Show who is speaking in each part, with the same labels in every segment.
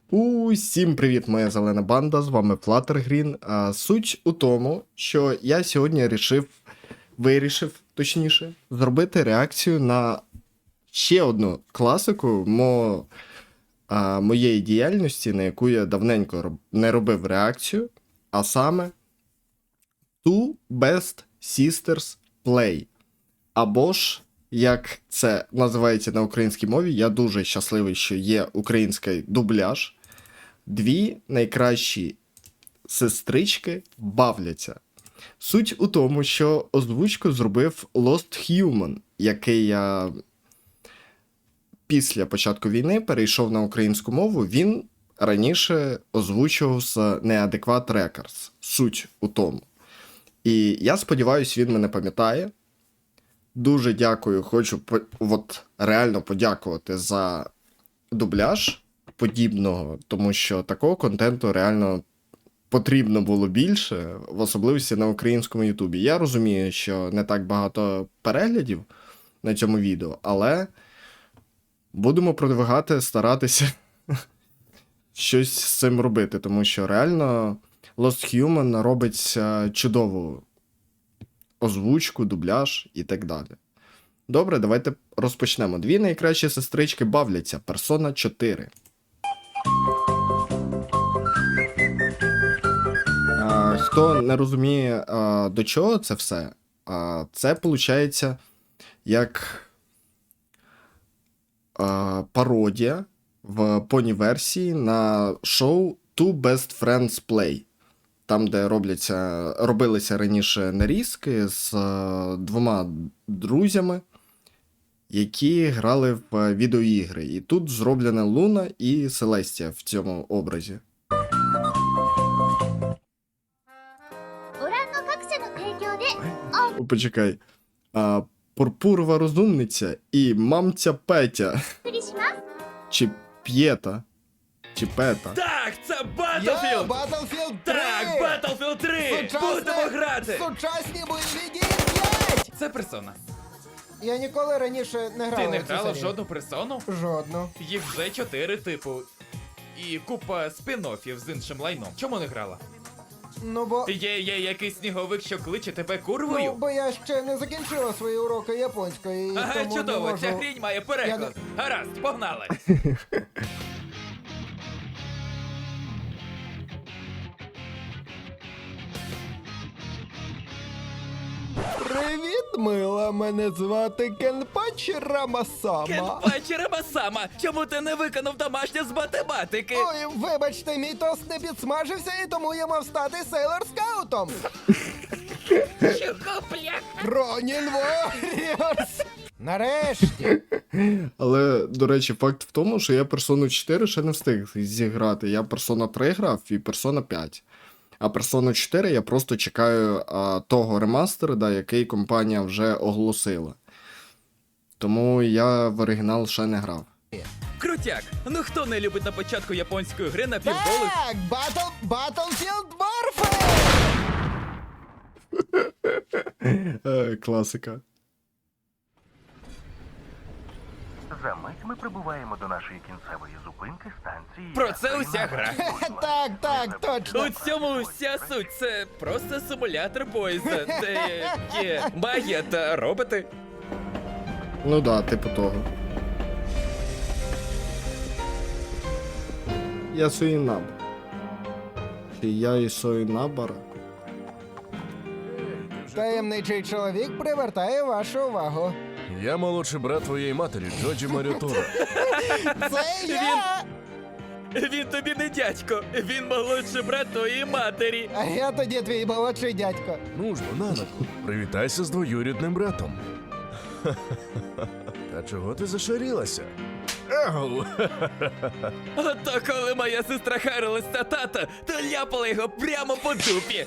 Speaker 1: Усім привіт, моя зелена банда, з вами Fluttergreen. Суть у тому, що я сьогодні вирішив, зробити реакцію на ще одну класику моєї діяльності, на яку я давненько не робив реакцію, а саме Two Best Sisters Play. Або ж, як це називається на українській мові, я дуже щасливий, що є український дубляж. Дві найкращі сестрички бавляться. Суть у тому, що озвучку зробив Lost Human, який я після початку війни перейшов на українську мову. Він раніше озвучував з Neadequate Records. Суть у тому. І я сподіваюся, він мене пам'ятає. Дуже дякую, хочу реально подякувати за дубляж подібного, тому що такого контенту реально потрібно було більше, в особливості на українському Ютубі. Я розумію, що не так багато переглядів на цьому відео, але будемо продвигати, старатися щось з цим робити, тому що реально Lost Human робить чудову озвучку, дубляж і так далі. Добре, давайте розпочнемо. Дві найкращі сестрички бавляться. Persona 4. Хто не розуміє, до чого це все, це виходить як пародія в поні-версії на шоу Two Best Friends Play. Там, де робилися раніше нарізки з двома друзями, які грали в відеоігри. І тут зроблена Луна і Селестія в цьому образі. Почекай. Пурпурова розумниця і мамця Петя. Чи П'єта. Чи Пета.
Speaker 2: Так, це Battlefield!
Speaker 3: Battlefield 3!
Speaker 2: Так, Battlefield 3! Будемо грати!
Speaker 3: Сучасні бойові дії 5!
Speaker 2: Це персона.
Speaker 3: Я ніколи раніше не грав.
Speaker 2: Ти не
Speaker 3: у цю
Speaker 2: грала в
Speaker 3: серію.
Speaker 2: жодну персону?
Speaker 3: Жодну.
Speaker 2: Їх вже 4 типу. І купа спін-оффів з іншим лайном. Чому не грала?
Speaker 3: Ну бо...
Speaker 2: Є якийсь сніговик, що кличе тебе
Speaker 3: Ну,
Speaker 2: курвою?
Speaker 3: бо я ще не закінчила свої уроки японської, і
Speaker 2: Ага,
Speaker 3: тому
Speaker 2: чудово,
Speaker 3: не можу...
Speaker 2: ця хрінь має переклад. Гаразд, погнали!
Speaker 3: Привіт, мила, мене звати Кенпачі Рамасама.
Speaker 2: Кенпачі Рабасама, чому ти не виконав домашнє з математики?
Speaker 3: Ой, вибачте, мій тост не підсмажився, і тому я мав стати сейлор скаутом.
Speaker 2: Чого, бляха?
Speaker 3: Ронін Warriors! Нарешті!
Speaker 1: Але, до речі, факт в тому, що я Persona 4 ще не встиг зіграти. Я Persona 3 грав і Persona 5. А Persona 4 я просто чекаю того ремастера, який компанія вже оголосила. Тому я в оригінал ще не грав.
Speaker 2: Крутяк, ну хто не любить на початку японської гри на півголих?
Speaker 3: Так, Battlefield Warfare!
Speaker 1: Класика.
Speaker 4: За мить ми прибуваємо до нашої кінцевої зупинки станції.
Speaker 2: Про це уся гра.
Speaker 3: Так, точно.
Speaker 2: У цьому вся суть. Це просто симулятор поїзда, де є магія та роботи.
Speaker 1: Ну да, типу того. Я Суїнаб. Чи я і Суїнабара?
Speaker 3: Таємничий чоловік привертає вашу увагу.
Speaker 5: Я молодший брат твоєї матері, Джоджі Маріотора.
Speaker 3: Це я!
Speaker 2: Він тобі не дядько, він молодший брат твоєї матері.
Speaker 3: А я тоді твій молодший дядько.
Speaker 5: Ну ж, бо нанадку, привітайся з двоюрідним братом. Та чого ти зашарілася? Ау!
Speaker 2: Ото коли моя сестра харилась та тата, то ляпала його прямо по дупі.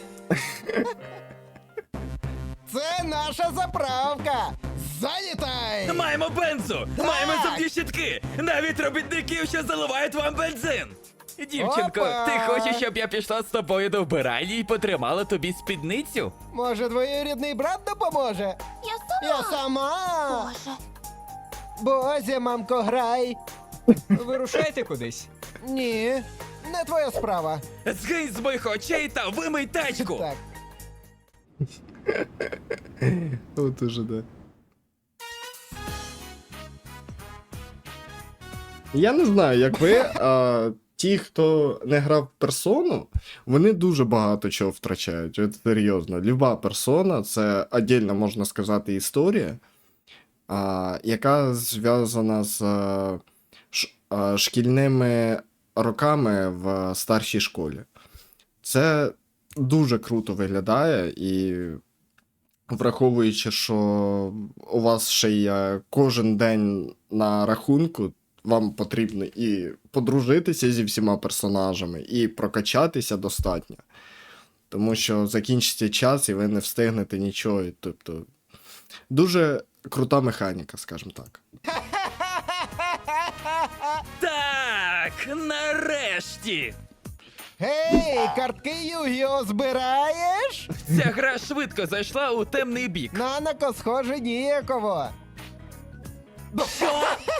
Speaker 3: Це наша заправка! Залітай!
Speaker 2: Маємо бензу, маємо зубні щітки, навіть робітників, що заливають вам бензин. Дівчинко,
Speaker 3: Опа!
Speaker 2: ти хочеш, щоб я пішла з тобою до вбиральні і потримала тобі спідницю?
Speaker 3: Може, двоюрідний брат допоможе? Я сама!
Speaker 6: Боже.
Speaker 3: Бозі, мамко, грай!
Speaker 7: Вирушайте кудись.
Speaker 3: Ні, не твоя справа.
Speaker 2: Згинь з моїх очей та вимий тачку!
Speaker 3: Так.
Speaker 1: От уже, да. Я не знаю, як ви, а ті, хто не грав в персону, вони дуже багато чого втрачають. От серйозно. Люба персона це отдельно, можна сказати, історія, яка зв'язана з шкільними роками в старшій школі. Це дуже круто виглядає, і враховуючи, що у вас ще є кожен день на рахунку, вам потрібно і подружитися зі всіма персонажами, і прокачатися достатньо. Тому що закінчиться час, і ви не встигнете нічого. Тобто, дуже крута механіка, скажімо так.
Speaker 2: Так, нарешті!
Speaker 3: Гей, картки Югіо збираєш?
Speaker 2: Ця гра швидко зайшла у темний бік.
Speaker 3: Нанако, схоже, ніяково.
Speaker 2: Що?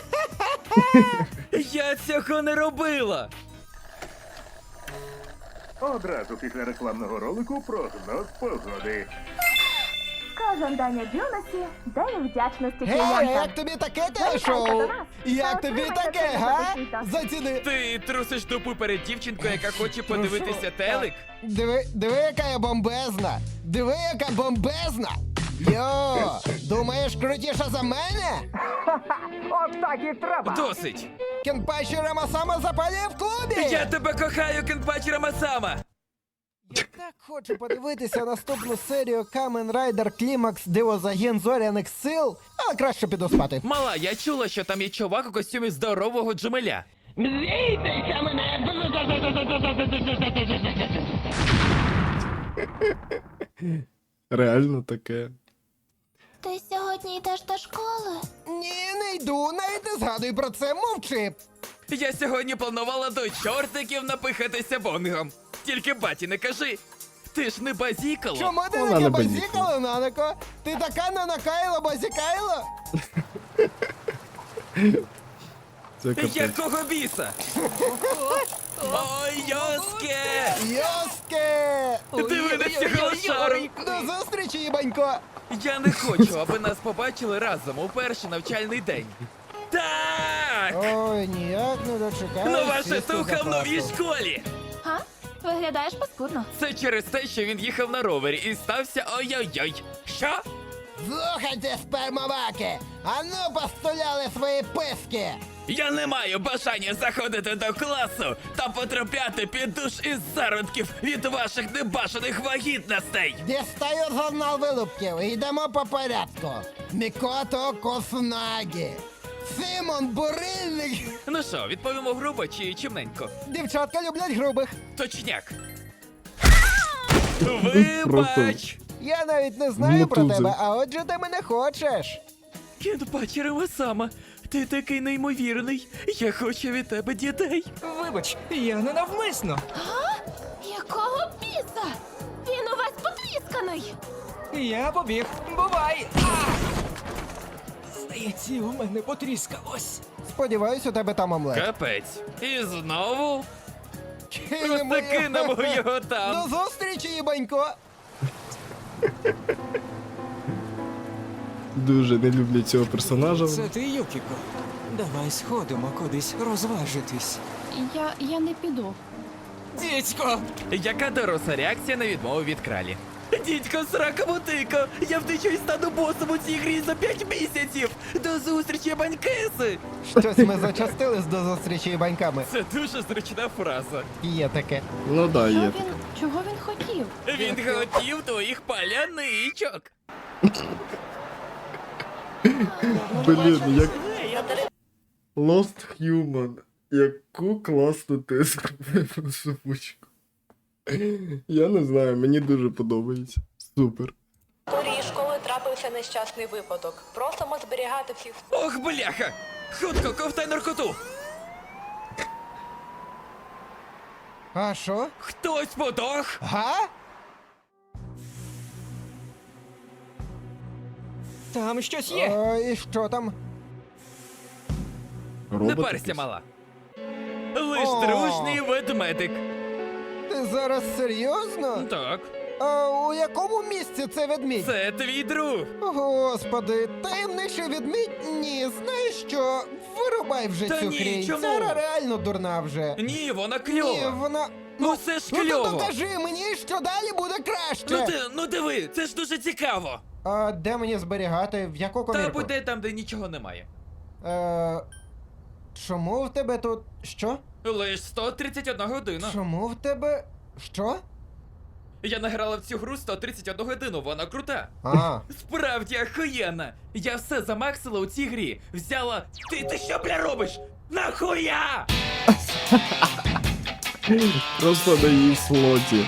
Speaker 2: Я цього не робила!
Speaker 4: Одразу після рекламного ролику прогноз погоди.
Speaker 6: Кожен день у Дюнасі – день вдячності
Speaker 3: Гей,
Speaker 6: клієнтам.
Speaker 3: як тобі таке телешоу? Як тобі таке, га? Заціни.
Speaker 2: Ти трусиш дупу перед дівчинкою, яка хоче подивитися телек?
Speaker 3: Диви, яка я бомбезна. Диви, яка бомбезна. Йо, думаєш, крутіша за мене?
Speaker 6: От так і треба.
Speaker 2: Досить!
Speaker 3: Кенпачі Рамасама запалює в клубі.
Speaker 2: Я тебе кохаю, Кенпачі Рамасама!
Speaker 3: Я так хочу подивитися наступну серію Kamen Rider Climax Дивозагін Зоряних Сил, але краще піду спати.
Speaker 2: Мала, я чула, що там є чувак у костюмі здорового джемеля.
Speaker 1: Реально таке.
Speaker 7: Ти сьогодні йдеш до школи?
Speaker 3: Ні, не йду, навіть не згадуй про це, мовчи.
Speaker 2: Я сьогодні планувала до чортиків напихатися бонгом. Тільки баті не кажи. Ти ж не базікало.
Speaker 3: Чому ти
Speaker 1: Вона
Speaker 3: таке
Speaker 1: не
Speaker 3: базікало, Нанако? Ти така нанакайло базікайло?
Speaker 1: Це капець.
Speaker 2: Якого біса? Ой, Йоске!
Speaker 3: Йоске!
Speaker 2: Диви на цього шару!
Speaker 3: До зустрічі, їбанько!
Speaker 2: Я не хочу, аби нас побачили разом у перший навчальний день. Так!
Speaker 3: Ой, ніяк не дочекаюсь.
Speaker 2: Нова
Speaker 3: сісти
Speaker 2: шатуха
Speaker 3: за
Speaker 2: в новій
Speaker 3: парту.
Speaker 2: школі!
Speaker 7: Га? Виглядаєш паскудно.
Speaker 2: Це через те, що він їхав на ровері і стався ой-ой-ой. Що?
Speaker 3: Слухайте, спермоваки! Ану постуляли свої писки!
Speaker 2: Я не маю бажання заходити до класу та потрапляти під душ із зародків від ваших небажаних вагітностей.
Speaker 3: Дістаю журнал вилупків і йдемо по порядку. Мікото Косунагі. Симон Бурильник.
Speaker 2: Ну що, відповімо грубо чи чимненько?
Speaker 3: Дівчатка люблять грубих.
Speaker 2: Точняк. Вибач!
Speaker 3: Я навіть не знаю про
Speaker 1: Мотуза.
Speaker 3: тебе, а отже ти мене хочеш.
Speaker 2: Кінпачі Рамасама, ти такий неймовірний. Я хочу від тебе дітей.
Speaker 8: Вибач, я не навмисно.
Speaker 7: Якого біса? Він у вас потрісканий.
Speaker 8: Я побіг. Бувай! Здається, у мене потріскалось.
Speaker 3: Сподіваюсь, у тебе там омлет.
Speaker 2: Капець. І знову?
Speaker 3: Кинемо
Speaker 2: Просто кинемо його там.
Speaker 3: До зустрічі, їбанько.
Speaker 1: Дуже не люблю цього персонажа.
Speaker 8: Це ти, Юкіко. Давай сходимо кудись розважитись.
Speaker 7: Я не піду.
Speaker 8: Дідько!
Speaker 2: Яка доросла реакція на відмову від кралі? Дідько, срака мотика! Я втечу і стану босом у цій грі за 5 місяців! До зустрічі, банькеси!
Speaker 3: Щось ми зачастились до зустрічі їбаньками.
Speaker 2: Це дуже зручна фраза.
Speaker 3: Є таке.
Speaker 1: Ну да, є.
Speaker 7: Чого він хотів?
Speaker 2: Він хотів твоїх паляничок.
Speaker 1: Блін, як... Lost Human. Яку класну ти зробив озвучку. Я не знаю, мені дуже подобається. Супер.
Speaker 9: У порі школи трапився нещасний випадок. Просимо зберігати всіх.
Speaker 2: Ох, бляха! Хутко, ковтай наркоту!
Speaker 3: А що?
Speaker 2: Хтось подох?
Speaker 3: Га?
Speaker 8: Там щось є.
Speaker 3: О, і що там?
Speaker 2: Не
Speaker 1: Робот
Speaker 2: парся,
Speaker 1: якийсь.
Speaker 2: мала. Лиш
Speaker 3: О.
Speaker 2: дружний ведмедик.
Speaker 3: Ти зараз серйозно?
Speaker 2: Так,
Speaker 3: А у якому місці це ведмідь?
Speaker 2: це твій друг.
Speaker 3: Господи, таємничий ведмідь? Ні, знаєш що? Вирубай вже
Speaker 2: Та
Speaker 3: цю
Speaker 2: ні,
Speaker 3: хрінь.
Speaker 2: чому?
Speaker 3: Це реально дурна вже.
Speaker 2: Ні, вона
Speaker 3: Ні,
Speaker 2: кльова.
Speaker 3: вона.
Speaker 2: Ну це ж
Speaker 3: Ну то
Speaker 2: кльово.
Speaker 3: докажи мені, що далі буде краще.
Speaker 2: Ну диви, це ж дуже цікаво.
Speaker 3: А де мені зберігати? В яку
Speaker 2: Та
Speaker 3: комірку?
Speaker 2: буде там, де нічого немає.
Speaker 3: Чому в тебе тут. Що?
Speaker 2: Лиш 131 година.
Speaker 3: Чому в тебе. Що?
Speaker 2: Я награла в цю гру 131 годину, вона крута.
Speaker 3: А,
Speaker 2: Справді охуєнна. Я все замаксила у цій грі. Взяла. Ти що, бля, робиш? Нахуя?
Speaker 1: Просто на її слоті.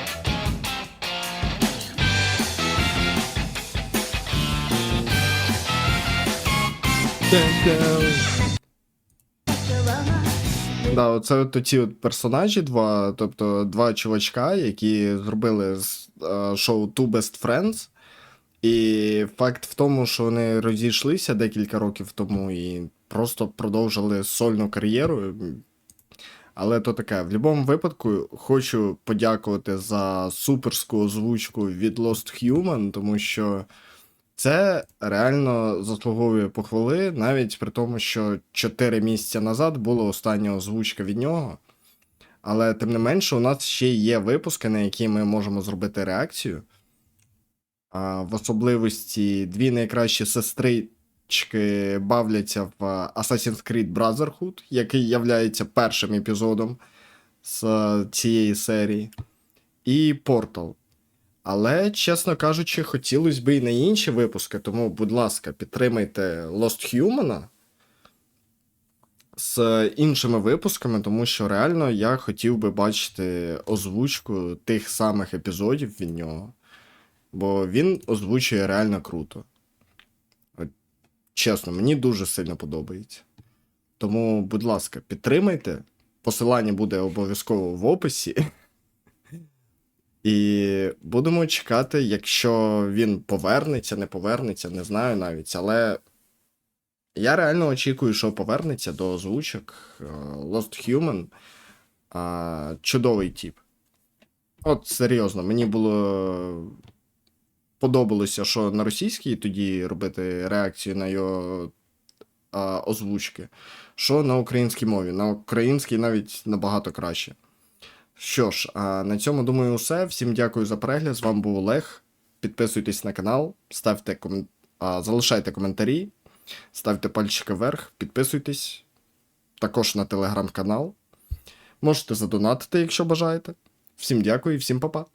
Speaker 1: Да, оце от ці от персонажі два, тобто два чувачка, які зробили шоу Two Best Friends. І факт в тому, що вони розійшлися декілька років тому і просто продовжили сольну кар'єру. Але то таке, в будь-якому випадку хочу подякувати за суперську озвучку від Lost Human, тому що це реально заслуговує похвали, навіть при тому, що 4 місяці назад була остання озвучка від нього. Але тим не менше, у нас ще є випуски, на які ми можемо зробити реакцію. В особливості дві найкращі сестрички бавляться в Assassin's Creed Brotherhood, який являється першим епізодом з цієї серії, і Portal. Але, чесно кажучи, хотілося б і на інші випуски, тому, будь ласка, підтримайте Lost Human з іншими випусками, тому що реально я хотів би бачити озвучку тих самих епізодів від нього. Бо він озвучує реально круто. От, чесно, мені дуже сильно подобається. Тому, будь ласка, підтримайте. Посилання буде обов'язково в описі. І будемо чекати, якщо він повернеться, не повернеться, не знаю навіть. Але я реально очікую, що повернеться до озвучок. Lost Human. Чудовий тип. От серйозно, мені було... Подобалося, що на російській тоді робити реакцію на його озвучки, що на українській мові. На українській навіть набагато краще. Що ж, на цьому, думаю, все. Всім дякую за перегляд. З вами був Олег. Підписуйтесь на канал, залишайте коментарі, ставте пальчики вверх, підписуйтесь. Також на телеграм-канал. Можете задонатити, якщо бажаєте. Всім дякую і всім па-па.